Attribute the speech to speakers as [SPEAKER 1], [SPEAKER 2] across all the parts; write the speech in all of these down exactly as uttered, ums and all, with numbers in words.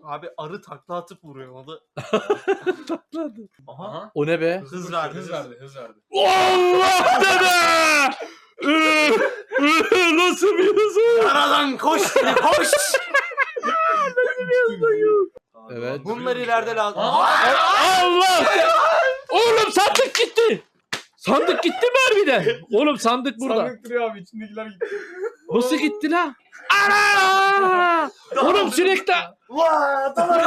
[SPEAKER 1] Abi arı takla atıp vuruyor o da.
[SPEAKER 2] Takladı.
[SPEAKER 3] Aha.
[SPEAKER 2] O ne be?
[SPEAKER 1] Hız verdi.
[SPEAKER 3] Hız verdi. Hız verdi.
[SPEAKER 2] Allah dede! Nasıl bir hız?
[SPEAKER 1] Aradan koş seni koş.
[SPEAKER 2] Evet.
[SPEAKER 1] Bunlar ileride lazım.
[SPEAKER 2] Allah! Oğlum sandık gitti. Sandık gitti mi harbiden? Oğlum sandık burada.
[SPEAKER 3] Sandık duruyor abi. İçindekiler gitti.
[SPEAKER 2] Nasıl gitti lan? Ana! Oğlum sürekli
[SPEAKER 1] Vaa tamam.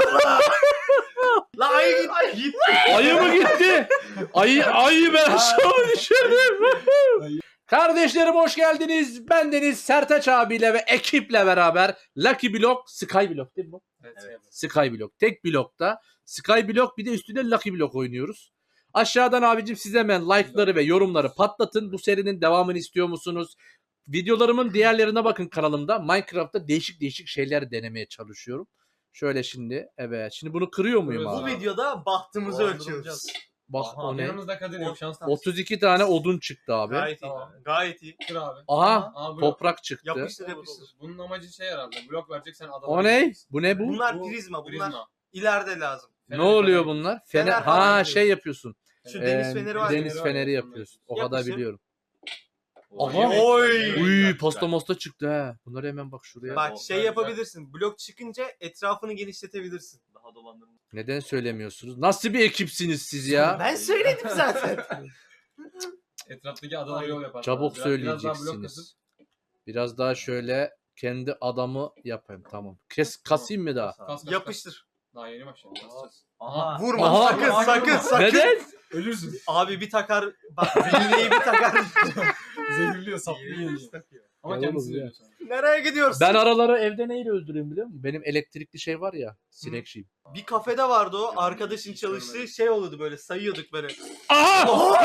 [SPEAKER 1] La ayı gitti. Gitti.
[SPEAKER 2] ayı mı gitti? Ayı ayı ben aşağı düşürdüm. Kardeşlerim hoş geldiniz. Bendeniz Sertaç abiyle ve ekiple beraber Lucky Block, Sky Block değil mi bu?
[SPEAKER 3] Evet.
[SPEAKER 2] Sky Block. Tek blokta. Sky Block bir de üstüne Lucky Block oynuyoruz. Aşağıdan abicim siz hemen like'ları ve yorumları patlatın. Bu serinin devamını istiyor musunuz? Videolarımın diğerlerine bakın kanalımda. Minecraft'ta değişik değişik şeyler denemeye çalışıyorum. Şöyle şimdi. Evet. Şimdi bunu kırıyor muyum
[SPEAKER 3] Kırıyoruz.
[SPEAKER 2] abi?
[SPEAKER 1] Bu videoda bahtımızı
[SPEAKER 3] Oo,
[SPEAKER 1] ölçüyoruz.
[SPEAKER 2] Bak
[SPEAKER 3] Aha,
[SPEAKER 2] o ne?
[SPEAKER 3] yanımızda Kadir yok şans.
[SPEAKER 2] otuz iki tane odun çıktı abi.
[SPEAKER 1] Gayet iyi.
[SPEAKER 3] Tamam.
[SPEAKER 1] Gayet iyi.
[SPEAKER 3] Kır abi.
[SPEAKER 2] Aha
[SPEAKER 3] Aa, blok.
[SPEAKER 2] toprak çıktı.
[SPEAKER 1] Yapıştır yapıştır.
[SPEAKER 3] Bunun amacı şey herhalde. Blok verecek sen adama.
[SPEAKER 2] O ne? Bu ne bu?
[SPEAKER 1] Bunlar
[SPEAKER 3] Bu
[SPEAKER 1] prizma. Bunlar
[SPEAKER 3] Prizma.
[SPEAKER 1] ileride lazım.
[SPEAKER 2] Ne oluyor bunlar? Fener.
[SPEAKER 1] Fener falan
[SPEAKER 2] Ha
[SPEAKER 1] yapıyorsun.
[SPEAKER 2] şey yapıyorsun.
[SPEAKER 1] Şu
[SPEAKER 2] Ee,
[SPEAKER 1] deniz feneri var.
[SPEAKER 2] Deniz
[SPEAKER 3] ya.
[SPEAKER 2] feneri yapıyorsun. O kadar
[SPEAKER 1] Yapıştır.
[SPEAKER 2] biliyorum.
[SPEAKER 3] Oy.
[SPEAKER 2] Aha.
[SPEAKER 1] Oy.
[SPEAKER 2] Uy pasta mosta çıktı ha. Bunları hemen bak şuraya.
[SPEAKER 1] Bak
[SPEAKER 3] O,
[SPEAKER 1] şey
[SPEAKER 3] güzel.
[SPEAKER 1] yapabilirsin. Blok çıkınca etrafını genişletebilirsin.
[SPEAKER 3] Daha dolandırma.
[SPEAKER 2] Neden söylemiyorsunuz? Nasıl bir ekipsiniz siz ya?
[SPEAKER 1] Ben söyledim zaten.
[SPEAKER 3] Etraftaki adalara yol yapar.
[SPEAKER 2] Çabuk
[SPEAKER 3] Biraz- biraz daha blok kasıp-
[SPEAKER 2] söyleyeceksiniz. Biraz daha şöyle kendi adamı yapayım tamam. Kes kasayım mı daha?
[SPEAKER 3] Kas, kas, kas.
[SPEAKER 1] Yapıştır.
[SPEAKER 3] Daha yeni başladı. Kasacağız.
[SPEAKER 4] Aha.
[SPEAKER 1] Vurma
[SPEAKER 2] Aha.
[SPEAKER 1] sakın
[SPEAKER 3] Aha.
[SPEAKER 1] sakın sakın.
[SPEAKER 2] Neden?
[SPEAKER 3] Ölürsün.
[SPEAKER 1] Abi bir takar. Bak zehirliği bir takar.
[SPEAKER 3] Zehirliyor, saplıyor. Ama
[SPEAKER 2] Ya
[SPEAKER 3] kendisi
[SPEAKER 2] oğlum
[SPEAKER 3] de
[SPEAKER 2] ya.
[SPEAKER 3] ölüyor sonra.
[SPEAKER 1] Nereye gidiyorsun?
[SPEAKER 2] Ben araları evde neyle öldürüyorum biliyor musun? Benim elektrikli şey var ya. Sinek şeyim.
[SPEAKER 1] Bir kafede vardı o. Arkadaşın çalıştığı şey oluyordu böyle. Sayıyorduk böyle.
[SPEAKER 2] Aha!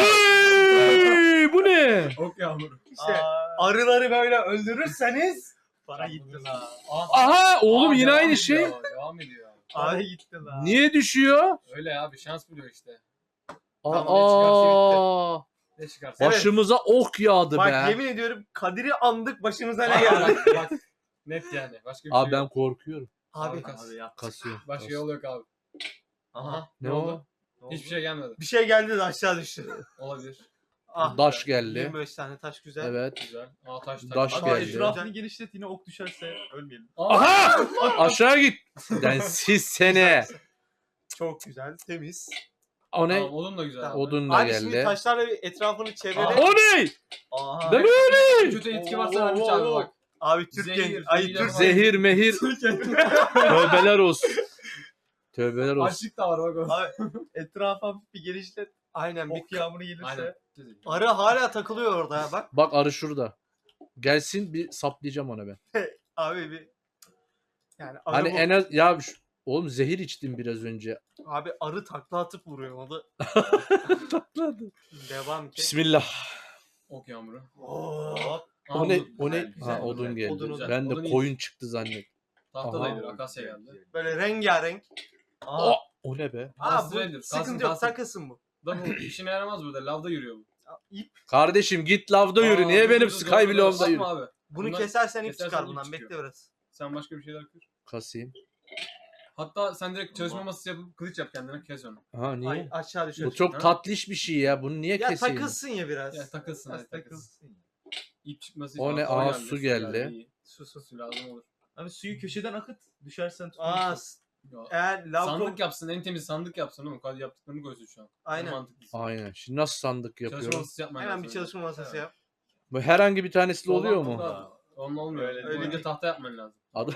[SPEAKER 2] Hey, bu ne?
[SPEAKER 3] Ok yağmuru.
[SPEAKER 1] İşte arıları böyle öldürürseniz para gitti la.
[SPEAKER 2] Aha oğlum
[SPEAKER 3] Aa,
[SPEAKER 2] yine
[SPEAKER 3] devam
[SPEAKER 2] aynı
[SPEAKER 3] ediyor,
[SPEAKER 2] şey.
[SPEAKER 3] Devam ediyor.
[SPEAKER 1] Para gitti la.
[SPEAKER 2] Niye düşüyor?
[SPEAKER 3] Öyle abi şans buluyor işte.
[SPEAKER 1] Tamam, ne
[SPEAKER 2] Aa,
[SPEAKER 3] Ne çıkarsa.
[SPEAKER 1] Evet.
[SPEAKER 2] başımıza ok yağdı
[SPEAKER 1] Bak
[SPEAKER 2] be.
[SPEAKER 1] yemin ediyorum Kadir'i andık başımıza ne
[SPEAKER 3] Bak,
[SPEAKER 1] geldi.
[SPEAKER 3] bak, bak. Net yani. Başka bir
[SPEAKER 2] Abi
[SPEAKER 3] şey
[SPEAKER 2] ben
[SPEAKER 3] yok.
[SPEAKER 2] korkuyorum.
[SPEAKER 1] Abi
[SPEAKER 3] Abi kas.
[SPEAKER 4] Abi ya.
[SPEAKER 2] Kasıyorum.
[SPEAKER 3] Başka
[SPEAKER 2] kasıyorum.
[SPEAKER 3] yol yok abi. Aha.
[SPEAKER 2] Ne
[SPEAKER 3] Ne
[SPEAKER 2] o?
[SPEAKER 3] oldu? Hiçbir şey gelmedi.
[SPEAKER 1] bir şey geldi de aşağı düştü.
[SPEAKER 3] Olabilir.
[SPEAKER 1] Ah,
[SPEAKER 2] Daş geldi.
[SPEAKER 1] yirmi beş tane taş güzel.
[SPEAKER 2] Evet.
[SPEAKER 3] Güzel. Aa taş taş.
[SPEAKER 2] Daş
[SPEAKER 3] Abi,
[SPEAKER 2] geldi.
[SPEAKER 4] Etrafını genişlet yine ok düşerse ölmeyelim.
[SPEAKER 3] Aa,
[SPEAKER 2] Aha! Aşağı git. Yani siz sene.
[SPEAKER 1] Çok güzel, temiz.
[SPEAKER 2] O ne?
[SPEAKER 3] Tamam, odun da güzel.
[SPEAKER 1] Tamam.
[SPEAKER 2] Odun da
[SPEAKER 1] Abi şimdi
[SPEAKER 2] geldi.
[SPEAKER 1] taşlarla bir etrafını çevrele.
[SPEAKER 3] Aa.
[SPEAKER 2] O ne?
[SPEAKER 4] Aha.
[SPEAKER 2] Deme öyle.
[SPEAKER 3] Kötü etki varsa
[SPEAKER 1] Oo,
[SPEAKER 3] vermiş
[SPEAKER 1] oo,
[SPEAKER 3] abi
[SPEAKER 1] oo.
[SPEAKER 3] bak.
[SPEAKER 1] Abi Türk
[SPEAKER 3] Zehir,
[SPEAKER 1] genç. Ay
[SPEAKER 3] zehir
[SPEAKER 1] Türk
[SPEAKER 3] yapamaz.
[SPEAKER 2] Zehir mehir. Tövbeler olsun. Tövbeler olsun.
[SPEAKER 3] Açlık da var bak o.
[SPEAKER 4] Abi etrafa bir genişlet.
[SPEAKER 1] Aynen bir
[SPEAKER 4] Ok yağmuru gelirse.
[SPEAKER 3] Aynen.
[SPEAKER 1] arı hala takılıyor orada ya bak.
[SPEAKER 2] Bak arı şurada. Gelsin bir saplayacağım ona ben.
[SPEAKER 1] Abi bir yani arı
[SPEAKER 2] Hani
[SPEAKER 1] bu-
[SPEAKER 2] en az ya şu- oğlum zehir içtim biraz önce.
[SPEAKER 1] abi arı takla atıp vuruyor o da. Devam ki.
[SPEAKER 2] Bismillah.
[SPEAKER 3] Ok yağmuru.
[SPEAKER 1] Oo.
[SPEAKER 3] Aa,
[SPEAKER 2] O ne?
[SPEAKER 3] odun.
[SPEAKER 2] O ne?
[SPEAKER 3] Güzel,
[SPEAKER 2] Ha
[SPEAKER 3] güzel.
[SPEAKER 2] odun geldi.
[SPEAKER 1] Odun, odun.
[SPEAKER 2] Ben de
[SPEAKER 3] Odun iyi.
[SPEAKER 2] koyun çıktı zannettim.
[SPEAKER 3] Tahtadaydı.
[SPEAKER 2] Aha.
[SPEAKER 3] Akasya geldi.
[SPEAKER 1] Böyle rengarenk.
[SPEAKER 4] Aha.
[SPEAKER 2] O, o ne be?
[SPEAKER 1] Aa
[SPEAKER 3] Kalsın
[SPEAKER 1] bu
[SPEAKER 3] nedir? Kalsın,
[SPEAKER 1] sıkıntı yok
[SPEAKER 3] kalsın.
[SPEAKER 1] takılsın bu.
[SPEAKER 3] Da bu işine yaramaz burada. Lavda yürüyor bu.
[SPEAKER 1] İp.
[SPEAKER 2] Kardeşim git lavda yürü.
[SPEAKER 3] Aa,
[SPEAKER 2] Niye
[SPEAKER 3] dur,
[SPEAKER 2] benim
[SPEAKER 3] dur, dur,
[SPEAKER 2] Sky
[SPEAKER 3] dur, dur.
[SPEAKER 2] Block'umda yürü?
[SPEAKER 3] Bakma abi.
[SPEAKER 1] Bunu
[SPEAKER 3] Bundan
[SPEAKER 1] kesersen ip
[SPEAKER 3] kesersen
[SPEAKER 1] çıkar
[SPEAKER 3] ip
[SPEAKER 1] bundan.
[SPEAKER 3] çıkıyor.
[SPEAKER 1] Bekle biraz.
[SPEAKER 3] Sen başka bir şeyler kır.
[SPEAKER 2] Kasayım.
[SPEAKER 3] Hatta sen direkt çalışma masası yapıp kılıç yap kendine kes onu.
[SPEAKER 2] Ha niye?
[SPEAKER 1] Ay aşağı düşer.
[SPEAKER 2] Bu çok
[SPEAKER 3] Ha?
[SPEAKER 2] tatlış bir şey ya. Bunu niye
[SPEAKER 1] Ya
[SPEAKER 2] keseyim?
[SPEAKER 1] takılsın ya biraz.
[SPEAKER 3] Ya takılsın
[SPEAKER 4] Biraz
[SPEAKER 3] hadi takılsın.
[SPEAKER 4] takılsın.
[SPEAKER 3] İp çıkması
[SPEAKER 2] O
[SPEAKER 3] için.
[SPEAKER 2] ne?
[SPEAKER 3] Aa,
[SPEAKER 2] Aa, su geldi.
[SPEAKER 3] iyi. Su su su lazım olur.
[SPEAKER 4] Abi suyu köşeden akıt. Düşersen
[SPEAKER 1] Aa
[SPEAKER 4] tutunursun.
[SPEAKER 1] s-
[SPEAKER 3] Ya,
[SPEAKER 1] eğer lav
[SPEAKER 3] sandık
[SPEAKER 1] çok...
[SPEAKER 3] yapsın en temiz sandık yapsın oğlum. Hadi yaptıklarını koysun şu an. En
[SPEAKER 1] Aynen.
[SPEAKER 3] mantıklısı.
[SPEAKER 2] Aynen. Şimdi nasıl sandık
[SPEAKER 3] Çalışma
[SPEAKER 2] yapıyorum?
[SPEAKER 3] masası yapman
[SPEAKER 1] Hemen
[SPEAKER 3] lazım
[SPEAKER 1] bir
[SPEAKER 3] önce.
[SPEAKER 1] çalışma masası yap.
[SPEAKER 2] Bu herhangi bir tanesiyle
[SPEAKER 3] Soldan
[SPEAKER 2] oluyor mu?
[SPEAKER 3] da- Onunla olmuyor.
[SPEAKER 4] Öyle
[SPEAKER 3] Öyle,
[SPEAKER 1] değil.
[SPEAKER 3] önce tahta yapman lazım.
[SPEAKER 2] Adı...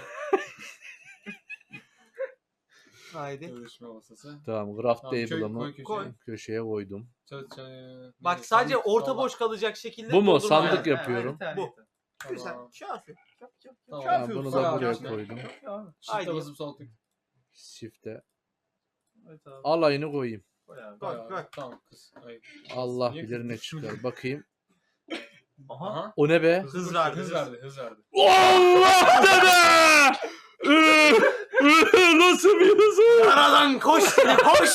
[SPEAKER 1] Haydi.
[SPEAKER 3] Çalışma masası.
[SPEAKER 2] Tamam. Craft
[SPEAKER 3] Tamam, köy-
[SPEAKER 2] table'ımı
[SPEAKER 3] koy köşeye.
[SPEAKER 1] Koy.
[SPEAKER 2] köşeye koydum.
[SPEAKER 3] Çalış- çalış-
[SPEAKER 1] Bak
[SPEAKER 3] ne?
[SPEAKER 1] sadece
[SPEAKER 3] Sandık-
[SPEAKER 1] orta
[SPEAKER 3] soldan.
[SPEAKER 1] boş kalacak şekilde
[SPEAKER 2] Bu mu?
[SPEAKER 1] doldurma
[SPEAKER 2] Sandık
[SPEAKER 1] yani.
[SPEAKER 2] yap- yapıyorum.
[SPEAKER 4] Ha, bir tane
[SPEAKER 1] Bu.
[SPEAKER 4] yeter.
[SPEAKER 1] Güzel.
[SPEAKER 3] Tamam.
[SPEAKER 1] Kafi.
[SPEAKER 3] Tamam.
[SPEAKER 2] Tamam, bunu da
[SPEAKER 3] Koy
[SPEAKER 2] buraya
[SPEAKER 3] abi.
[SPEAKER 2] koydum.
[SPEAKER 4] Kafi abi.
[SPEAKER 1] Haydi.
[SPEAKER 3] Shift'e basıp sol tık.
[SPEAKER 2] Shift'e.
[SPEAKER 4] Evet abi.
[SPEAKER 2] Alayını koyayım.
[SPEAKER 4] Koy abi.
[SPEAKER 1] Koy,
[SPEAKER 3] Koy
[SPEAKER 1] koy.
[SPEAKER 3] abi. Tamam kız. Ay.
[SPEAKER 2] Allah
[SPEAKER 3] Niye
[SPEAKER 2] bilir ne
[SPEAKER 3] kızdın?
[SPEAKER 2] çıkar. Bakayım.
[SPEAKER 4] Aha.
[SPEAKER 3] Aha.
[SPEAKER 2] O ne be?
[SPEAKER 1] Hız verdi.
[SPEAKER 3] Hız verdi. Hız verdi.
[SPEAKER 2] Allah dede! Nasıl bir hız?
[SPEAKER 1] Aradan koş seni koş.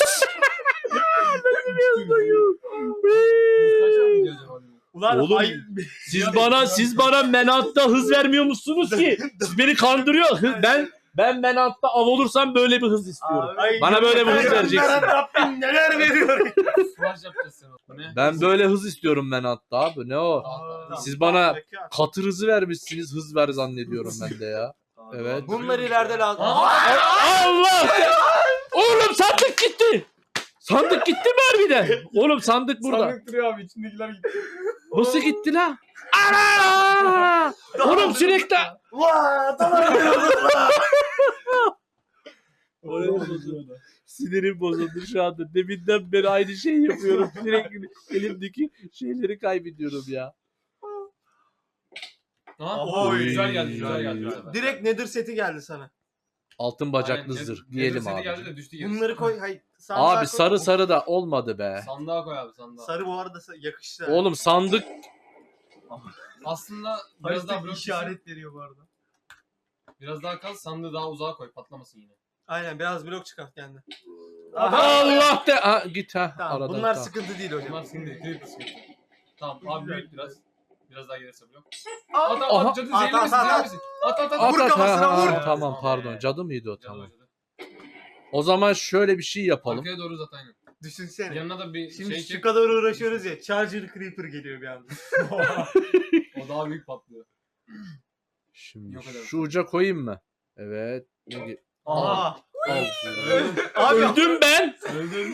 [SPEAKER 3] Kaç tane gidiyor acaba?
[SPEAKER 1] Ulan
[SPEAKER 2] Oğlum,
[SPEAKER 1] ay...
[SPEAKER 2] Siz bana siz bana menatta hız vermiyor musunuz ki? Siz beni kandırıyor. Hı- Ben Ben Menant'ta av olursam böyle bir hız istiyorum.
[SPEAKER 4] Abi,
[SPEAKER 2] Bana böyle bir hız
[SPEAKER 1] Ay,
[SPEAKER 2] vereceksin.
[SPEAKER 1] Rabbim neler veriyor.
[SPEAKER 3] Flash yapacağız sen. Bu ne?
[SPEAKER 2] Ben böyle hız istiyorum Menant'ta abi. Ne o?
[SPEAKER 4] Aa,
[SPEAKER 2] Siz bana
[SPEAKER 4] bekar.
[SPEAKER 2] katır hızı vermişsiniz. Hız ver zannediyorum ben de ya. Evet.
[SPEAKER 1] Bunlar ileride lazım.
[SPEAKER 2] Allah! Oğlum sandık gitti. Sandık gitti mi harbiden? Oğlum sandık burada.
[SPEAKER 3] Sandık duruyor abi içindekiler gitti.
[SPEAKER 2] Nasıl gitti lan? Ana! Oğlum sürekli...
[SPEAKER 1] Vaa tamam.
[SPEAKER 2] Sinirim bozuldu şu anda. Deminden beri aynı şeyi yapıyorum. Sürekli elimdeki şeyleri kaybediyorum ya.
[SPEAKER 3] Aha,
[SPEAKER 1] Oy.
[SPEAKER 3] güzel geldi güzel geldi. bu sefer.
[SPEAKER 1] Direkt Nether seti geldi sana.
[SPEAKER 2] Altın bacaklı
[SPEAKER 3] Aynen,
[SPEAKER 2] zırh
[SPEAKER 3] Nether
[SPEAKER 2] diyelim
[SPEAKER 3] seti
[SPEAKER 2] abi.
[SPEAKER 3] geldi de düştü gerisi.
[SPEAKER 1] Bunları koy. Hayır. sandığa
[SPEAKER 2] Abi
[SPEAKER 1] koy.
[SPEAKER 2] sarı sarı da olmadı be.
[SPEAKER 3] Sandığa koy abi sandığa.
[SPEAKER 1] Sarı bu arada sa- yakıştı.
[SPEAKER 2] Oğlum sandık
[SPEAKER 3] Aslında biraz daha
[SPEAKER 4] Harita
[SPEAKER 3] blok
[SPEAKER 4] işaret veriyor bu arada.
[SPEAKER 3] Biraz daha kal sandığı daha uzağa koy patlamasın yine.
[SPEAKER 1] Aynen biraz blok çıkart kendi.
[SPEAKER 2] Allah de ha, git ha
[SPEAKER 1] Tamam
[SPEAKER 2] aradan.
[SPEAKER 1] bunlar
[SPEAKER 2] tamam.
[SPEAKER 1] sıkıntı değil hocam.
[SPEAKER 3] Bunlar şimdi creeper sıkıntı. Tamam abi
[SPEAKER 4] Güzel,
[SPEAKER 3] büyüt biraz. Biraz daha gelirse blok.
[SPEAKER 1] Aa,
[SPEAKER 3] At at
[SPEAKER 2] aha.
[SPEAKER 3] at cadı
[SPEAKER 1] At,
[SPEAKER 3] zehirli
[SPEAKER 1] at,
[SPEAKER 3] misin
[SPEAKER 1] at,
[SPEAKER 3] zehirli
[SPEAKER 1] at.
[SPEAKER 3] misin? At at at.
[SPEAKER 2] At,
[SPEAKER 1] Vur
[SPEAKER 2] at,
[SPEAKER 1] kafasına,
[SPEAKER 2] ha,
[SPEAKER 1] vur.
[SPEAKER 2] ha, Tamam
[SPEAKER 3] Evet,
[SPEAKER 2] pardon.
[SPEAKER 3] evet.
[SPEAKER 2] Cadı mıydı o?
[SPEAKER 3] Cadı
[SPEAKER 2] Tamam.
[SPEAKER 3] o, cadı.
[SPEAKER 2] O zaman şöyle bir şey yapalım.
[SPEAKER 3] Arkaya doğru uzat aynen.
[SPEAKER 1] Düşünsene.
[SPEAKER 3] Yanına da bir
[SPEAKER 1] Şimdi
[SPEAKER 3] şey
[SPEAKER 1] şu
[SPEAKER 3] çek.
[SPEAKER 1] kadar uğraşıyoruz ya. Charger Creeper geliyor bir anda.
[SPEAKER 3] O daha büyük patlıyor.
[SPEAKER 2] Şimdi
[SPEAKER 3] Yok eder.
[SPEAKER 2] şu uca koyayım mı? Evet. Ne ge-
[SPEAKER 1] Aa.
[SPEAKER 2] Al.
[SPEAKER 1] Abi
[SPEAKER 2] Öldüm ben.
[SPEAKER 3] Öldün.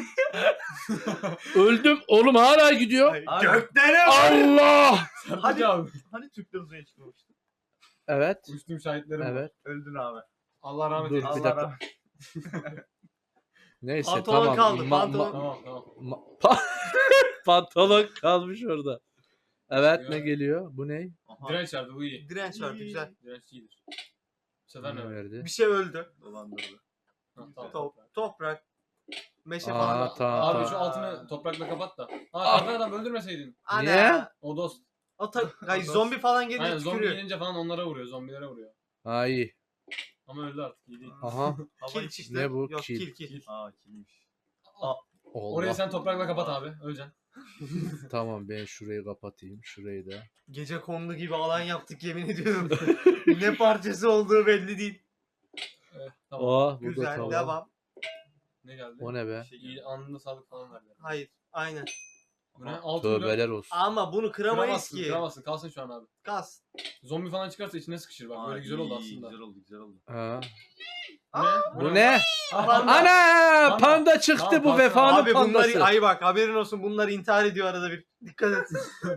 [SPEAKER 2] Öldüm. Oğlum hala gidiyor.
[SPEAKER 4] Abi,
[SPEAKER 1] göklere var.
[SPEAKER 2] Allah.
[SPEAKER 3] Hadi abi.
[SPEAKER 4] Hani Türkler uzaya çıkmamıştı?
[SPEAKER 2] Evet.
[SPEAKER 3] Uçtum şahitlerim. var.
[SPEAKER 2] Evet.
[SPEAKER 4] Öldün abi.
[SPEAKER 3] Allah rahmet
[SPEAKER 2] Dur,
[SPEAKER 3] eylesin.
[SPEAKER 2] bir
[SPEAKER 4] Allah
[SPEAKER 2] dakika.
[SPEAKER 4] rahmet.
[SPEAKER 2] Neyse
[SPEAKER 1] Pantolon
[SPEAKER 2] tamam.
[SPEAKER 1] kaldı,
[SPEAKER 2] Ma-
[SPEAKER 1] pantolon.
[SPEAKER 2] ma-
[SPEAKER 3] Tamam tamam.
[SPEAKER 2] ma- pa- pantolon kalmış orada. Evet
[SPEAKER 3] Ya.
[SPEAKER 2] ne geliyor? Bu ne?
[SPEAKER 4] Aha.
[SPEAKER 3] Direnç vardı bu iyi.
[SPEAKER 1] Direnç vardı güzel.
[SPEAKER 3] Direnç iyidir. Bu sefer ne
[SPEAKER 2] Ne
[SPEAKER 3] var?
[SPEAKER 2] verdi?
[SPEAKER 1] Bir şey öldü.
[SPEAKER 4] Dolandırdı.
[SPEAKER 3] Ha, tamam.
[SPEAKER 1] Top, toprak. Meşe
[SPEAKER 2] Aa,
[SPEAKER 1] falan.
[SPEAKER 2] tamam,
[SPEAKER 3] Abi
[SPEAKER 2] tamam.
[SPEAKER 3] şu altını toprakla kapat da. Ha
[SPEAKER 2] Ah.
[SPEAKER 3] kardan adam öldürmeseydin.
[SPEAKER 1] Ana.
[SPEAKER 2] Niye?
[SPEAKER 3] O dost.
[SPEAKER 1] O ta- Ay, zombi falan
[SPEAKER 3] Aynen
[SPEAKER 1] geliyor
[SPEAKER 3] zombi
[SPEAKER 1] tükürüyor.
[SPEAKER 3] gelince falan onlara vuruyor. Zombilere vuruyor.
[SPEAKER 2] Ha iyi.
[SPEAKER 3] Ama öldü artık iyi değil.
[SPEAKER 2] Aha.
[SPEAKER 1] Kil çıktı.
[SPEAKER 2] Ne bu?
[SPEAKER 1] Yok
[SPEAKER 2] Kil.
[SPEAKER 1] kil kil.
[SPEAKER 4] Aa kimmiş?
[SPEAKER 3] Orayı
[SPEAKER 2] Allah.
[SPEAKER 3] sen toprakla kapat abi. Öleceksin.
[SPEAKER 2] Tamam ben şurayı kapatayım. Şurayı da.
[SPEAKER 1] Gece kondu gibi alan yaptık yemin ediyorum. Ne parçası olduğu belli değil.
[SPEAKER 3] Evet, tamam.
[SPEAKER 2] Oh bu da
[SPEAKER 1] Güzel
[SPEAKER 2] tamam.
[SPEAKER 1] devam.
[SPEAKER 3] Ne geldi?
[SPEAKER 2] O ne be?
[SPEAKER 3] İyi anında sağlık falan verdi.
[SPEAKER 1] Hayır aynen.
[SPEAKER 3] Bu ne? altı milyon.
[SPEAKER 2] Tövbeler olsun.
[SPEAKER 1] Ama bunu kıramayız
[SPEAKER 3] Kıramazsın,
[SPEAKER 1] ki.
[SPEAKER 3] kıramazsın. Kalsın şu an abi.
[SPEAKER 1] Gaz.
[SPEAKER 3] Zombi falan çıkarsa içine sıkışır bak. Böyle güzel oldu
[SPEAKER 4] iyi,
[SPEAKER 3] aslında.
[SPEAKER 4] Güzel oldu güzel oldu.
[SPEAKER 2] Ha.
[SPEAKER 3] Bu ne?
[SPEAKER 2] Bu ne?
[SPEAKER 1] Panda.
[SPEAKER 2] Ana!
[SPEAKER 3] Panda.
[SPEAKER 2] Panda çıktı
[SPEAKER 3] Tamam,
[SPEAKER 2] bu
[SPEAKER 3] panda.
[SPEAKER 2] vefanın
[SPEAKER 1] Abi
[SPEAKER 2] pandası.
[SPEAKER 1] bunlar ay bak haberin olsun bunlar intihar ediyor arada bir. Dikkat et.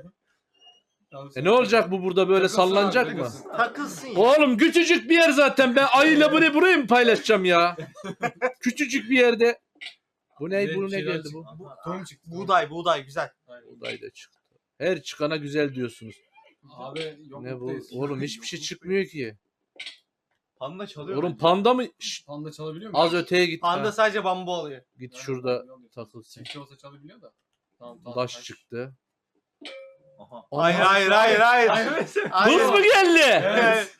[SPEAKER 3] Tamam,
[SPEAKER 2] E ne olacak bu burada böyle
[SPEAKER 3] Takılsın abi,
[SPEAKER 2] sallanacak mı?
[SPEAKER 3] takılsın.
[SPEAKER 1] Takılsın ya.
[SPEAKER 2] Oğlum küçücük bir yer zaten. Ben ayıyla burayı burayı mı paylaşacağım ya? Küçücük bir yerde. Bu ne?
[SPEAKER 3] Bir de
[SPEAKER 2] Bu
[SPEAKER 3] bir
[SPEAKER 2] ne
[SPEAKER 3] şeyler
[SPEAKER 2] geldi
[SPEAKER 3] çıktı.
[SPEAKER 2] bu?
[SPEAKER 3] Tohum çıktı. tohum.
[SPEAKER 1] Buğday buğday güzel.
[SPEAKER 3] Aynen.
[SPEAKER 2] Buğday da çıktı. Her çıkana güzel diyorsunuz.
[SPEAKER 3] Abi yok
[SPEAKER 2] Ne bu?
[SPEAKER 3] buradayız.
[SPEAKER 2] Oğlum hiçbir şey çıkmıyor ki.
[SPEAKER 4] Panda çalıyor.
[SPEAKER 2] Oğlum
[SPEAKER 4] bence.
[SPEAKER 2] panda mı? Şşt,
[SPEAKER 3] Panda çalabiliyor mu?
[SPEAKER 2] az öteye git.
[SPEAKER 1] Panda
[SPEAKER 2] Ha,
[SPEAKER 1] sadece bambu oluyor.
[SPEAKER 2] git
[SPEAKER 3] Aynen,
[SPEAKER 2] şurada
[SPEAKER 3] öyle oluyor.
[SPEAKER 2] takılsın.
[SPEAKER 3] Çiftçi olsa çalabiliyor da. Tamam tamam.
[SPEAKER 2] Taş
[SPEAKER 3] taş.
[SPEAKER 2] çıktı.
[SPEAKER 4] Aha.
[SPEAKER 1] Hayır hayır hayır hayır. Hayır.
[SPEAKER 2] Hız mı geldi?
[SPEAKER 3] Evet.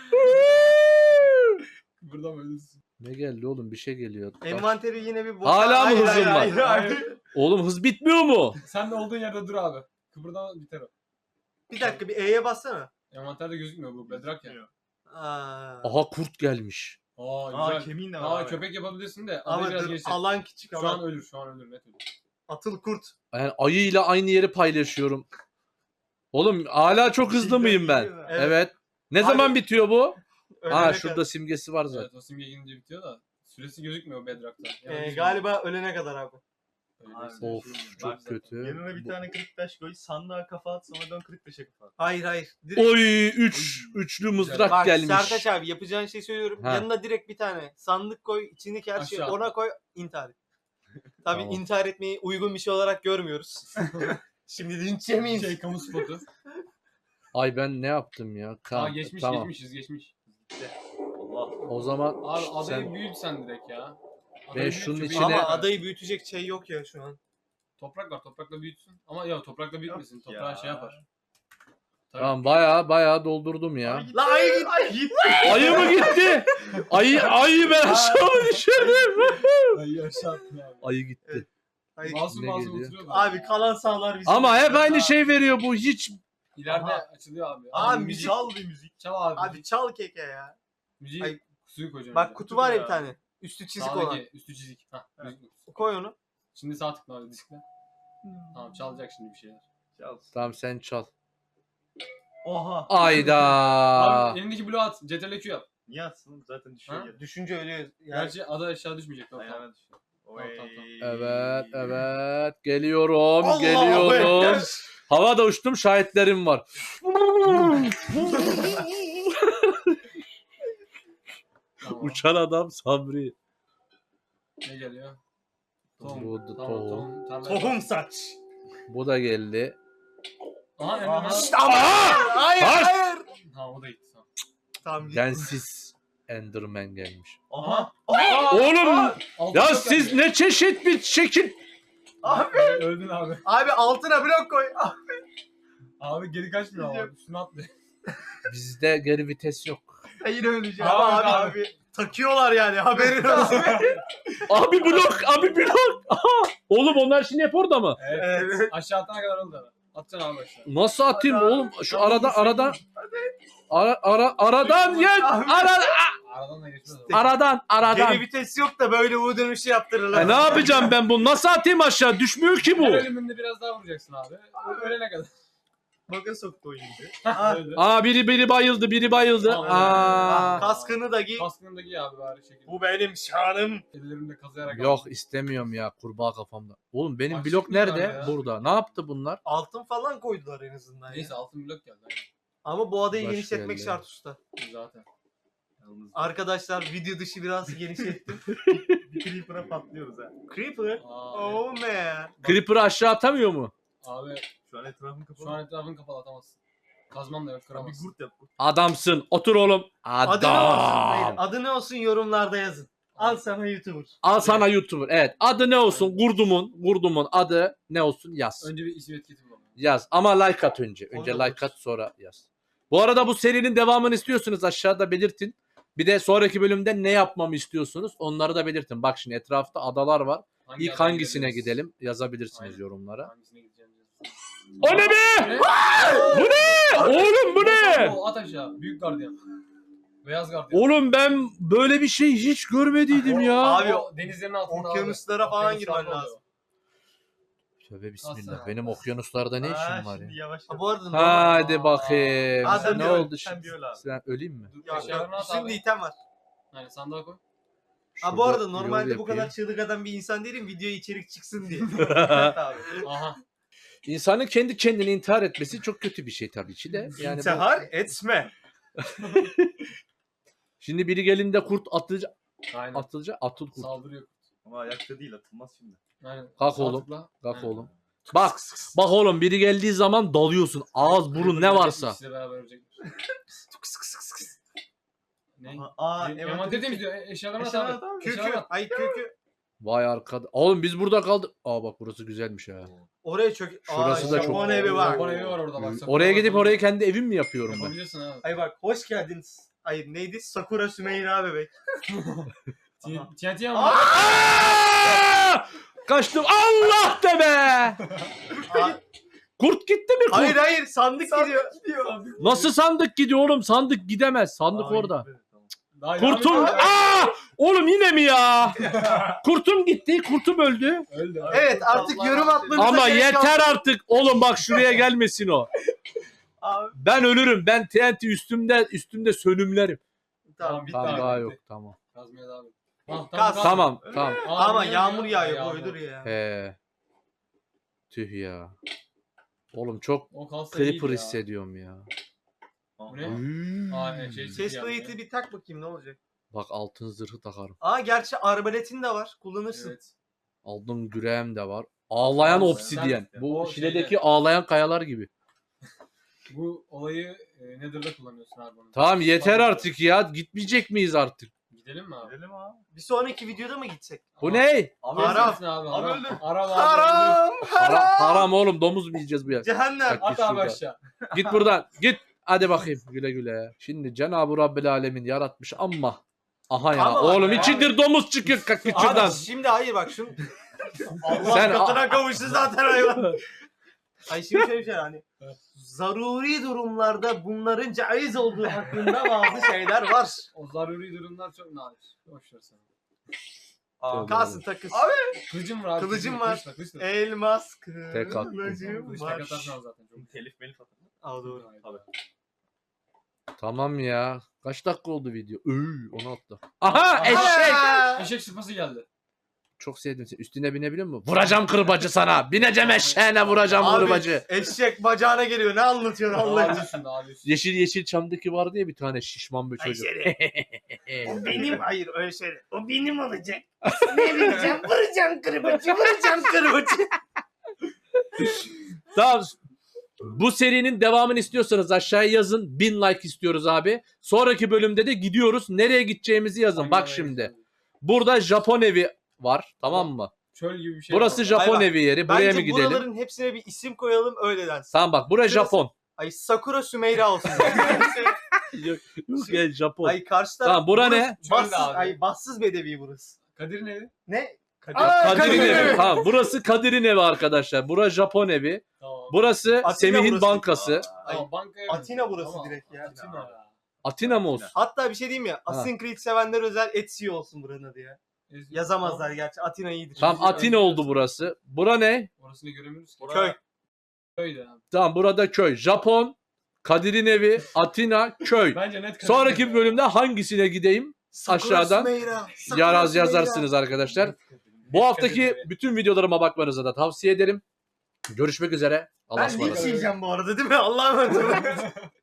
[SPEAKER 3] Burada mı ölürsün?
[SPEAKER 2] Ne geldi oğlum? Bir şey geliyor. Taş.
[SPEAKER 1] Envanteri yine bir boş.
[SPEAKER 2] Hala mı
[SPEAKER 1] Hayır,
[SPEAKER 2] hızın
[SPEAKER 1] hayır,
[SPEAKER 2] var?
[SPEAKER 1] hayır, hayır.
[SPEAKER 2] Oğlum hız bitmiyor mu?
[SPEAKER 3] Sen de olduğun yerde dur abi. Kıpırdama biter o.
[SPEAKER 1] Bir dakika bir E'ye bassana.
[SPEAKER 3] Envanterde gözükmüyor bu bedrak ya.
[SPEAKER 1] Aa.
[SPEAKER 2] Aha kurt gelmiş.
[SPEAKER 3] Aa
[SPEAKER 4] Aa
[SPEAKER 3] güzel.
[SPEAKER 4] kemiğin de var
[SPEAKER 3] Aa
[SPEAKER 4] abi.
[SPEAKER 3] köpek yapabilirsin de.
[SPEAKER 1] Ama
[SPEAKER 3] Ama biraz
[SPEAKER 1] dur,
[SPEAKER 3] geçti.
[SPEAKER 1] alan küçük
[SPEAKER 3] Şu
[SPEAKER 1] alan.
[SPEAKER 3] an ölür, şu an ölür, net ölür.
[SPEAKER 1] Atıl kurt.
[SPEAKER 2] Yani ayıyla aynı yeri paylaşıyorum. Oğlum hala çok hızlı mıyım ben?
[SPEAKER 1] Evet.
[SPEAKER 2] Evet. Ne
[SPEAKER 1] Abi-
[SPEAKER 2] zaman bitiyor bu?
[SPEAKER 1] Ölene
[SPEAKER 2] Aa
[SPEAKER 1] kadar.
[SPEAKER 2] şurada simgesi var zaten.
[SPEAKER 3] Evet, o simge gelince bitiyor da süresi gözükmüyor bedrakta.
[SPEAKER 1] Ee, galiba ölene kadar abi.
[SPEAKER 4] Abi,
[SPEAKER 2] Of
[SPEAKER 4] şey diyeyim,
[SPEAKER 2] çok
[SPEAKER 4] bak,
[SPEAKER 2] kötü.
[SPEAKER 4] Yanına bir
[SPEAKER 2] Bu-
[SPEAKER 4] tane kırık taş koy, sandığa kafa at, sonra dön kırık taşa kafa at.
[SPEAKER 1] Hayır hayır. Direkt...
[SPEAKER 2] Oy üç üçlü mızrak
[SPEAKER 1] Bak
[SPEAKER 2] gelmiş.
[SPEAKER 1] Sertaç abi yapacağın şey söylüyorum.
[SPEAKER 2] Ha.
[SPEAKER 1] Yanına direkt bir tane sandık koy. İçindeki her şeyi
[SPEAKER 3] Aşağı.
[SPEAKER 1] ona koy. İntihar et. Tabii
[SPEAKER 2] Tamam.
[SPEAKER 1] intihar etmeyi uygun bir şey olarak görmüyoruz. Şimdi linç yemeyin.
[SPEAKER 3] Şey kamu spotu.
[SPEAKER 2] Ay ben ne yaptım ya?
[SPEAKER 3] Aa
[SPEAKER 2] Tamam.
[SPEAKER 3] geçmiş
[SPEAKER 2] tamam.
[SPEAKER 3] geçmişiz geçmiş.
[SPEAKER 4] Allah.
[SPEAKER 2] O zaman
[SPEAKER 3] Abi adayı
[SPEAKER 2] sen
[SPEAKER 3] büyüt sen direkt ya.
[SPEAKER 2] Ben
[SPEAKER 3] Adayı
[SPEAKER 2] şunun
[SPEAKER 3] büyüt,
[SPEAKER 2] içine-
[SPEAKER 3] köpeği
[SPEAKER 1] Ama
[SPEAKER 3] ver.
[SPEAKER 1] adayı büyütecek şey yok ya şu an.
[SPEAKER 3] Toprak var toprakla büyütsün. Ama ya toprakla büyütmesin.
[SPEAKER 4] Yok
[SPEAKER 3] Toprağı
[SPEAKER 4] ya.
[SPEAKER 3] şey yapar. Tabii.
[SPEAKER 2] tamam baya baya doldurdum ya.
[SPEAKER 4] Abi git.
[SPEAKER 1] La ayı git.
[SPEAKER 4] Ay git.
[SPEAKER 2] Ayı mı gitti? Ayı ayı ben aşağı mı düşürdüm?
[SPEAKER 3] Ay aşağı attın abi.
[SPEAKER 2] Ayı gitti.
[SPEAKER 1] Ayı.
[SPEAKER 3] Masum
[SPEAKER 2] Ne
[SPEAKER 3] masum
[SPEAKER 2] geliyor?
[SPEAKER 3] oturuyor da.
[SPEAKER 1] Abi kalan sağlar bizim.
[SPEAKER 2] Ama hep aynı şey veriyor bu hiç.
[SPEAKER 3] İleride
[SPEAKER 4] Aha.
[SPEAKER 3] açılıyor abi.
[SPEAKER 1] Abi
[SPEAKER 3] Abi
[SPEAKER 1] müzik-
[SPEAKER 3] müzik.
[SPEAKER 4] Çal bir müzik.
[SPEAKER 3] Çal abi.
[SPEAKER 1] Abi çal keke ya.
[SPEAKER 3] Müziği
[SPEAKER 1] Ay,
[SPEAKER 3] Suyu koyacağım.
[SPEAKER 1] Bak
[SPEAKER 3] önce.
[SPEAKER 1] kutu var ya bir
[SPEAKER 4] ya.
[SPEAKER 1] tane. Üstü çizik
[SPEAKER 3] Sağdaki
[SPEAKER 1] olan.
[SPEAKER 3] üstü çizik. Hah.
[SPEAKER 4] Evet.
[SPEAKER 3] düzgün.
[SPEAKER 1] Koy onu.
[SPEAKER 3] Şimdi sağ tıkla abi diskle. Tamam çalacak şimdi bir şeyler.
[SPEAKER 4] Çalsın.
[SPEAKER 2] Tamam sen çal.
[SPEAKER 4] Oha.
[SPEAKER 2] Ayda.
[SPEAKER 3] Abi elindeki bloğu at. C T R L Q yap.
[SPEAKER 4] Niye atsın? Zaten düşüyor
[SPEAKER 3] Ha?
[SPEAKER 4] yere.
[SPEAKER 1] Düşünce ölüyor. Yani
[SPEAKER 3] Gerçi ada aşağı düşmeyecek. Tamam, tamam.
[SPEAKER 4] Ayağına düşüyor.
[SPEAKER 3] Tamam, tamam, tamam.
[SPEAKER 2] Evet evet geliyorum
[SPEAKER 1] Allahu
[SPEAKER 2] geliyorum.
[SPEAKER 1] Ekber.
[SPEAKER 2] Havada uçtum şahitlerim var.
[SPEAKER 3] Tamam.
[SPEAKER 2] Uçan adam Sabri.
[SPEAKER 3] Ne geliyor? Tohum.
[SPEAKER 2] Bu da
[SPEAKER 3] Tamam,
[SPEAKER 2] tohum.
[SPEAKER 3] tohum. Tarlaya
[SPEAKER 1] tohum
[SPEAKER 3] bak.
[SPEAKER 1] saç.
[SPEAKER 2] Bu da geldi.
[SPEAKER 3] Aha Emre
[SPEAKER 4] Aha.
[SPEAKER 3] lan.
[SPEAKER 1] İşte ama. Hayır
[SPEAKER 2] Hayır.
[SPEAKER 1] hayır.
[SPEAKER 3] Tamam o da gitti. Tamam.
[SPEAKER 1] Tamam gitti.
[SPEAKER 2] Densiz Enderman gelmiş.
[SPEAKER 4] Aha.
[SPEAKER 2] Oğlum
[SPEAKER 3] Altı
[SPEAKER 2] ya
[SPEAKER 3] blok
[SPEAKER 2] siz
[SPEAKER 3] geldi.
[SPEAKER 2] ne çeşit bir şekil.
[SPEAKER 1] Abi.
[SPEAKER 3] Öldün abi.
[SPEAKER 1] Abi altına blok koy.
[SPEAKER 3] Abi geri kaçmıyor abi. Üstüne atlıyor.
[SPEAKER 2] Bizde geri vites yok.
[SPEAKER 1] Hayır öleceğim.
[SPEAKER 3] Abi,
[SPEAKER 1] Abi, abi
[SPEAKER 3] abi.
[SPEAKER 1] abi. Takıyorlar yani haberin olsun.
[SPEAKER 2] Abi blok abi blok. Aha. Oğlum onlar şimdi hep orada mı?
[SPEAKER 3] Evet.
[SPEAKER 1] Evet.
[SPEAKER 3] Aşağı atana kadar oldu abi. Atacaksın abi aşağı.
[SPEAKER 2] Nasıl atayım
[SPEAKER 1] Hadi abi.
[SPEAKER 2] oğlum? Şu
[SPEAKER 1] Tamam,
[SPEAKER 2] arada
[SPEAKER 1] sen-
[SPEAKER 2] aradan ara, ara aradan ye
[SPEAKER 1] Abi.
[SPEAKER 2] ara,
[SPEAKER 3] Aradan da geçmez abi.
[SPEAKER 2] aradan aradan.
[SPEAKER 1] Geri vites yok da böyle U dönüşü yaptırırlar.
[SPEAKER 2] E ne yapacağım ben bunu? Nasıl atayım aşağı? Düşmüyor ki bu.
[SPEAKER 3] Her ölümünde biraz daha vuracaksın abi. Ölene kadar.
[SPEAKER 1] Baga soktu oyunu.
[SPEAKER 3] Hah, öldü.
[SPEAKER 2] Aa biri biri bayıldı, biri bayıldı.
[SPEAKER 3] Tamam.
[SPEAKER 2] Aa.
[SPEAKER 1] Kaskını da giy.
[SPEAKER 3] Kaskını da giy abi bari şekilde.
[SPEAKER 1] Bu benim şanım.
[SPEAKER 3] Ellerimde kazıyarak
[SPEAKER 2] Yok
[SPEAKER 3] aldım.
[SPEAKER 2] istemiyorum ya kurbağa kafamda. Oğlum benim
[SPEAKER 3] Açlık
[SPEAKER 2] blok
[SPEAKER 3] mı var
[SPEAKER 2] nerede?
[SPEAKER 3] ya?
[SPEAKER 2] Burada. Ne yaptı bunlar?
[SPEAKER 1] Altın falan koydular en azından ya.
[SPEAKER 3] Neyse altın blok geldi. Aynen.
[SPEAKER 1] Ama bu adayı
[SPEAKER 2] Baş
[SPEAKER 1] genişletmek
[SPEAKER 2] geldi.
[SPEAKER 1] şart usta.
[SPEAKER 3] Zaten.
[SPEAKER 4] Yalnız
[SPEAKER 1] Arkadaşlar video dışı biraz genişlettim.
[SPEAKER 4] bir creeper'a patlıyoruz ha.
[SPEAKER 1] Creeper.
[SPEAKER 3] Aa,
[SPEAKER 1] Oh man.
[SPEAKER 2] Creeper'ı aşağı atamıyor mu?
[SPEAKER 3] Abi
[SPEAKER 4] Şu an etrafın kapalı.
[SPEAKER 3] şu an etrafını kapalı atamazsın. Kazman da yok
[SPEAKER 4] bir
[SPEAKER 3] kıramazsın.
[SPEAKER 4] gurt yap. Gurt.
[SPEAKER 2] Adamsın. Otur oğlum.
[SPEAKER 1] Adı ne olsun? Hayır,
[SPEAKER 2] Adam.
[SPEAKER 1] adı ne olsun yorumlarda yazın. Al sana YouTuber.
[SPEAKER 2] Al sana YouTuber. Evet. Adı ne olsun? Kurdumun. Kurdumun adı ne olsun? Yaz.
[SPEAKER 3] Önce bir isim etiketi bulalım.
[SPEAKER 2] Yaz. Ama like at önce.
[SPEAKER 1] Onu
[SPEAKER 2] Önce
[SPEAKER 1] da
[SPEAKER 2] like at sonra yaz. Bu arada bu serinin devamını istiyorsunuz aşağıda belirtin. Bir de sonraki bölümde ne yapmamı istiyorsunuz onları da belirtin. Bak şimdi etrafta adalar var.
[SPEAKER 3] Hangi
[SPEAKER 2] İlk
[SPEAKER 3] adaya
[SPEAKER 2] hangisine
[SPEAKER 3] gideriz?
[SPEAKER 2] gidelim yazabilirsiniz
[SPEAKER 3] Aynen.
[SPEAKER 2] yorumlara.
[SPEAKER 3] Hangisine gideceğimizi yazın.
[SPEAKER 2] O ne be?
[SPEAKER 3] Ne?
[SPEAKER 2] Bu ne? Oğlum bu ne?
[SPEAKER 3] Oo, at aşağı. Büyük gardiyan. Beyaz gardiyan.
[SPEAKER 2] Oğlum ben böyle bir şey hiç görmediydim ya.
[SPEAKER 1] Abi,
[SPEAKER 3] O denizlerin altında
[SPEAKER 1] okyanuslara
[SPEAKER 3] abi.
[SPEAKER 1] falan
[SPEAKER 3] Okyanuslarda
[SPEAKER 1] girmen
[SPEAKER 3] oluyor.
[SPEAKER 1] lazım.
[SPEAKER 2] Tövbe bismillah.
[SPEAKER 3] Aslan.
[SPEAKER 2] Benim okyanuslarda ne
[SPEAKER 4] Aa,
[SPEAKER 2] işim var
[SPEAKER 4] şimdi
[SPEAKER 2] ya?
[SPEAKER 4] yavaş
[SPEAKER 1] Ha,
[SPEAKER 4] yavaş.
[SPEAKER 1] bu arada normal.
[SPEAKER 2] Hadi bakayım.
[SPEAKER 1] Aa, sen
[SPEAKER 2] ne
[SPEAKER 1] bir öl,
[SPEAKER 2] oldu
[SPEAKER 4] sen
[SPEAKER 2] şimdi?
[SPEAKER 4] bir öl abi.
[SPEAKER 2] Sen öleyim mi?
[SPEAKER 3] Dur,
[SPEAKER 1] Yok
[SPEAKER 3] eşyalarını
[SPEAKER 1] yok.
[SPEAKER 3] at
[SPEAKER 1] Üstünde
[SPEAKER 3] abi.
[SPEAKER 1] item var.
[SPEAKER 3] Aynen sandığa koy.
[SPEAKER 1] Ha bu
[SPEAKER 2] Şurada
[SPEAKER 1] arada
[SPEAKER 2] yol
[SPEAKER 1] normalde bu kadar
[SPEAKER 2] yapayım.
[SPEAKER 1] çığlık atan bir insan değilim. Videoya içerik çıksın diye.
[SPEAKER 4] abi.
[SPEAKER 3] Aha.
[SPEAKER 2] İnsanın kendi kendini intihar etmesi çok kötü bir şey tabii ki de. Yani bu-
[SPEAKER 1] İntihar etme.
[SPEAKER 2] şimdi biri gelinde kurt atılacak,
[SPEAKER 3] Aynen.
[SPEAKER 2] atılacak, atıl kurt.
[SPEAKER 3] Saldırıyor.
[SPEAKER 4] Ama ayakta değil atılmaz şimdi.
[SPEAKER 3] Aynen.
[SPEAKER 2] Kalk
[SPEAKER 3] Sağ
[SPEAKER 2] oğlum.
[SPEAKER 3] tıkla.
[SPEAKER 2] Kalk
[SPEAKER 3] Aynen.
[SPEAKER 2] oğlum. Bak, bak oğlum biri geldiği zaman dalıyorsun. Ağız, burun ne varsa.
[SPEAKER 3] İkisi de beraber ölecekler. Ne?
[SPEAKER 4] Aha, aa
[SPEAKER 3] Em-
[SPEAKER 4] evet.
[SPEAKER 3] Envanter temizliyor. E- Eşyalarını at
[SPEAKER 4] Eşyalarını
[SPEAKER 3] abi.
[SPEAKER 4] at abi.
[SPEAKER 1] Kükü.
[SPEAKER 3] Eşyalarını at.
[SPEAKER 1] Ay kükü.
[SPEAKER 2] Vay arkada. Oğlum biz burada kaldık. Aa bak burası güzelmiş ha.
[SPEAKER 1] Oraya çok...
[SPEAKER 2] Şurası
[SPEAKER 1] Aa,
[SPEAKER 2] da çok-
[SPEAKER 1] Japon evi var.
[SPEAKER 3] Japon evi var orada bak. Sakura
[SPEAKER 2] Oraya gidip
[SPEAKER 3] var.
[SPEAKER 2] orayı kendi evim mi yapıyorum ben?
[SPEAKER 3] Yapabilirsin abi.
[SPEAKER 1] Ay bak hoş geldiniz. Ay neydi? Sakura Sümeyra bebek.
[SPEAKER 4] Aha.
[SPEAKER 3] T N T ama.
[SPEAKER 2] Aa! Kaçtım. Allah de be!
[SPEAKER 1] Aa,
[SPEAKER 2] Kurt gitti mi kurt?
[SPEAKER 1] hayır hayır sandık, gidiyor.
[SPEAKER 2] Nasıl sandık gidiyor oğlum? Sandık gidemez. Sandık
[SPEAKER 4] Aa,
[SPEAKER 2] orada.
[SPEAKER 4] evet, tamam.
[SPEAKER 3] Daha devam
[SPEAKER 2] Kurtum.
[SPEAKER 3] ediyor.
[SPEAKER 2] Aa! Oğlum yine mi ya? Kurtum gitti. Kurtum öldü.
[SPEAKER 3] Öldü. abi.
[SPEAKER 1] Evet artık yorum atmanıza
[SPEAKER 2] Ama
[SPEAKER 1] gerek
[SPEAKER 2] yeter
[SPEAKER 1] kalmadı.
[SPEAKER 2] artık. Oğlum bak şuraya gelmesin o.
[SPEAKER 1] Abi,
[SPEAKER 2] Ben ölürüm. Ben T N T üstümde üstümde sönümlerim.
[SPEAKER 1] tamam.
[SPEAKER 3] Bitti
[SPEAKER 2] Tamam
[SPEAKER 3] abi,
[SPEAKER 2] daha
[SPEAKER 3] bitti.
[SPEAKER 2] yok tamam.
[SPEAKER 3] Kazmaya devam et. Ah,
[SPEAKER 1] Kaz.
[SPEAKER 2] Tamam tamam.
[SPEAKER 3] Aa,
[SPEAKER 1] Ama
[SPEAKER 3] yağmur
[SPEAKER 1] yağmur
[SPEAKER 3] yağıyor.
[SPEAKER 1] yağıyor
[SPEAKER 3] Yağmur.
[SPEAKER 1] boydur ya.
[SPEAKER 2] He. Tüh ya. Oğlum çok
[SPEAKER 3] O kalsa iyiydi
[SPEAKER 2] creeper
[SPEAKER 3] ya.
[SPEAKER 2] hissediyorum ya.
[SPEAKER 3] Bu ne?
[SPEAKER 2] Hmm.
[SPEAKER 3] Aa, evet, şey-
[SPEAKER 1] Chest plate'i bir tak bakayım ne olacak.
[SPEAKER 2] Bak altın zırhı takarım.
[SPEAKER 1] Aa gerçi arbaletin de var. Kullanırsın.
[SPEAKER 3] Evet.
[SPEAKER 2] Aldım güreğim de var. Ağlayan
[SPEAKER 3] Ağlayan.
[SPEAKER 2] obsidyen. Bu
[SPEAKER 3] O
[SPEAKER 2] Şile'deki
[SPEAKER 3] şeyde-
[SPEAKER 2] ağlayan kayalar gibi.
[SPEAKER 3] Bu olayı e, Nether'da kullanıyorsun abi bunu.
[SPEAKER 2] Tamam yeter
[SPEAKER 3] Bak-
[SPEAKER 2] artık ya. Gitmeyecek miyiz artık?
[SPEAKER 3] Gidelim mi abi?
[SPEAKER 4] Gidelim abi.
[SPEAKER 1] Bir sonraki videoda mı gitsek?
[SPEAKER 2] Bu ne?
[SPEAKER 3] Abi
[SPEAKER 1] Haram.
[SPEAKER 3] öldürsün Abi,
[SPEAKER 4] Abi
[SPEAKER 3] haram.
[SPEAKER 4] öldür.
[SPEAKER 3] Haram abi. öldür.
[SPEAKER 1] Haram!
[SPEAKER 2] Haram,
[SPEAKER 1] Haram!
[SPEAKER 2] haram oğlum domuz mu yiyeceğiz bu ya?
[SPEAKER 1] Cehennem!
[SPEAKER 2] Bak-
[SPEAKER 3] At
[SPEAKER 2] Git
[SPEAKER 3] abi
[SPEAKER 2] şuradan.
[SPEAKER 3] aşağı.
[SPEAKER 2] Git buradan. Git. Hadi bakayım güle güle. Şimdi Cenab-ı Rabbel Alemin yaratmış ama aha ya
[SPEAKER 1] Ama bak
[SPEAKER 2] oğlum
[SPEAKER 1] ya.
[SPEAKER 2] içindir domuz çıkıyor kalk git şuradan.
[SPEAKER 1] Abi şimdi hayır bak şunu. Allah
[SPEAKER 2] Sen-
[SPEAKER 1] katına kavuştu zaten hayvan. Ay şimdi şöyle bir şey hani zaruri durumlarda bunların caiz olduğu hakkında bazı şeyler var.
[SPEAKER 3] O zaruri durumlar çok nadir. Boş ver sen.
[SPEAKER 1] Aa, kalsın takız.
[SPEAKER 3] Kılıcım var abi.
[SPEAKER 1] Kılıcım var.
[SPEAKER 3] Kılıçla, kılıçla.
[SPEAKER 1] Elmas
[SPEAKER 2] Tek attım.
[SPEAKER 1] kılıcım
[SPEAKER 3] Kılıçla
[SPEAKER 1] var.
[SPEAKER 3] katarsın abi zaten. Çok
[SPEAKER 4] Telif melif atar.
[SPEAKER 1] Aa doğru.
[SPEAKER 4] Abi.
[SPEAKER 2] Tamam ya. Kaç dakika oldu video? Üy, on altı. Aha eşek.
[SPEAKER 1] Aa!
[SPEAKER 3] Eşek sıpası geldi.
[SPEAKER 2] Çok sevdim seni. Üstüne binebiliyor musun? Vuracağım kırbacı sana. Bineceğim eşeğine vuracağım
[SPEAKER 1] Abi,
[SPEAKER 2] kırbacı.
[SPEAKER 1] eşek bacağına geliyor. Ne anlatıyorsun Allah
[SPEAKER 3] Daha
[SPEAKER 1] için?
[SPEAKER 3] üstünde daha üstünde.
[SPEAKER 2] Yeşil yeşil çamdaki vardı ya bir tane şişman bir çocuk.
[SPEAKER 1] O benim hayır öyle şey. O benim olacak. Ne bileceğim? Vuracağım kırbacı. Vuracağım kırbacı.
[SPEAKER 2] Tamam. Bu serinin devamını istiyorsanız aşağıya yazın. Bin like istiyoruz abi. Sonraki bölümde de gidiyoruz. Nereye gideceğimizi yazın.
[SPEAKER 3] Hangi
[SPEAKER 2] Bak
[SPEAKER 3] araya
[SPEAKER 2] şimdi.
[SPEAKER 3] gidiyorsun?
[SPEAKER 2] Burada Japon evi var. Tamam mı?
[SPEAKER 3] Çöl gibi bir şey.
[SPEAKER 2] Burası
[SPEAKER 3] var.
[SPEAKER 2] Japon
[SPEAKER 1] Ay bak,
[SPEAKER 2] evi yeri. Buraya
[SPEAKER 1] Bence
[SPEAKER 2] mı gidelim?
[SPEAKER 1] buraların hepsine bir isim koyalım öyle densin.
[SPEAKER 2] Tamam bak. Burası
[SPEAKER 1] Şurası-
[SPEAKER 2] Japon.
[SPEAKER 1] Ay Sakura Sümeyra olsun.
[SPEAKER 2] Yok, yok ya Japon.
[SPEAKER 1] Ay karşı taraf.
[SPEAKER 2] Tamam, bura
[SPEAKER 1] burası
[SPEAKER 2] ne?
[SPEAKER 1] Bassız,
[SPEAKER 3] Çöl abi.
[SPEAKER 1] ay bassız bedevi burası.
[SPEAKER 3] Kadir'in evi.
[SPEAKER 1] Ne?
[SPEAKER 3] Kadir.
[SPEAKER 1] Aa,
[SPEAKER 2] Kadir'in
[SPEAKER 1] Kadir'in
[SPEAKER 2] evi.
[SPEAKER 1] evi.
[SPEAKER 2] Tamam. Burası Kadir'in evi arkadaşlar. Burası Japon evi.
[SPEAKER 3] Tamam.
[SPEAKER 2] Burası
[SPEAKER 1] Atina
[SPEAKER 2] Semih'in
[SPEAKER 1] burası.
[SPEAKER 2] bankası.
[SPEAKER 1] Ay,
[SPEAKER 3] Tamam, banka evi.
[SPEAKER 1] Atina burası
[SPEAKER 3] Tamam.
[SPEAKER 1] direkt ya.
[SPEAKER 3] Atina ya.
[SPEAKER 2] Atina mı olsun?
[SPEAKER 1] Hatta bir şey diyeyim ya. Assassin's Creed sevenler özel Etsy olsun buranın adı ya.
[SPEAKER 3] Ez-
[SPEAKER 1] Yazamazlar gerçi. Atina iyidir.
[SPEAKER 2] Tamam Atina oldu burası. Bura ne?
[SPEAKER 3] Orasını göremiyoruz ki.
[SPEAKER 1] Köy.
[SPEAKER 3] Köyde abi.
[SPEAKER 2] Tamam burada köy. Japon, Kadir'in evi, Atina, köy.
[SPEAKER 3] Bence net Kadir.
[SPEAKER 2] Sonraki bölümde hangisine gideyim?
[SPEAKER 1] Sakura
[SPEAKER 2] aşağıdan
[SPEAKER 1] Sümeyra, Sakura
[SPEAKER 2] Yaraz
[SPEAKER 1] Sümeyra.
[SPEAKER 2] yazarsınız arkadaşlar.
[SPEAKER 3] Net
[SPEAKER 2] Bu
[SPEAKER 3] Kadir
[SPEAKER 2] haftaki
[SPEAKER 3] evi.
[SPEAKER 2] bütün videolarıma bakmanızı da tavsiye ederim. Görüşmek üzere. Allah'a
[SPEAKER 1] Ben
[SPEAKER 2] ısmarladık.
[SPEAKER 1] linç yiyeceğim bu arada değil mi? Allah'a emanet olun.